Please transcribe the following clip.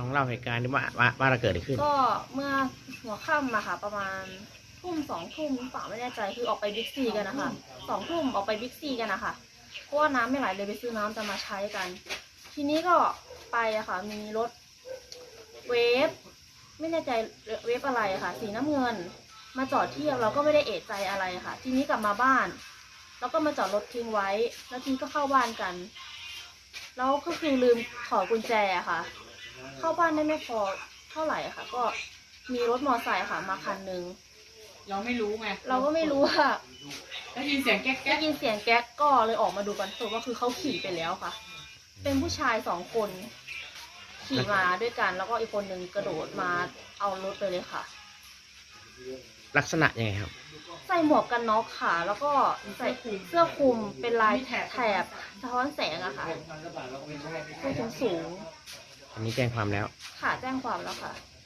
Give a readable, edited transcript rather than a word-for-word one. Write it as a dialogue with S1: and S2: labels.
S1: เล่าเหตุการณ์ที่ว่าเราเกิดอะไรขึ้น
S2: ก็เมื่อหัวค่ำอะค่ะประมาณทุ่ม2 ทุ่มหรือเปล่าไม่แน่ใจคือออกไปบิ๊กซีกันนะคะ2 ทุ่มออกไปบิ๊กซีกันนะคะเพราะว่าน้ำไม่ไหลเลยไปซื้อน้ำจะมาใช้กัน ทีนี้ก็ไปอะค่ะมีรถเวฟไม่แน่ใจเวฟอะไรอะค่ะสีน้ำเงินมาจอดเทียบเราก็ไม่ได้เอะใจอะไรค่ะทีนี้กลับมาบ้านแล้วก็มาจอดรถทิ้งไว้แล้วทีนี้ก็เข้าบ้านกันแล้วก็คือลืมถอดกุญแจค่ะ เข้าบ้านได้ไม่พอเท่าไหร่ค่ะก็มีรถมอเตอร์ไซค์ค่ะมาคันนึง
S3: เราไม่รู้ไง
S2: เราก็ไม่รู้ว่า
S3: ได้ยินเสียงแก๊ก
S2: ได้ยินเสียงแก๊กก็เลยออกมาดูกันสุดว่าคือเขาขี่ไปแล้วค่ะ เป็นผู้ชาย2 คนขี่มาด้วยกันแล้วก็อีกคนนึงกระโดดมาเอารถไปเลยค่ะ
S1: ลักษณะยังไงครับ
S2: ใส่หมวกกันน็อกค่ะ แล้วก็ใส่เสื้อคลุมเป็นลายแถบสะท้อนแสงอะค่ะตัวสูง
S1: อันนี้แจ้งความแล้ว
S2: ค่ะแจ้งความแล้วค่ะ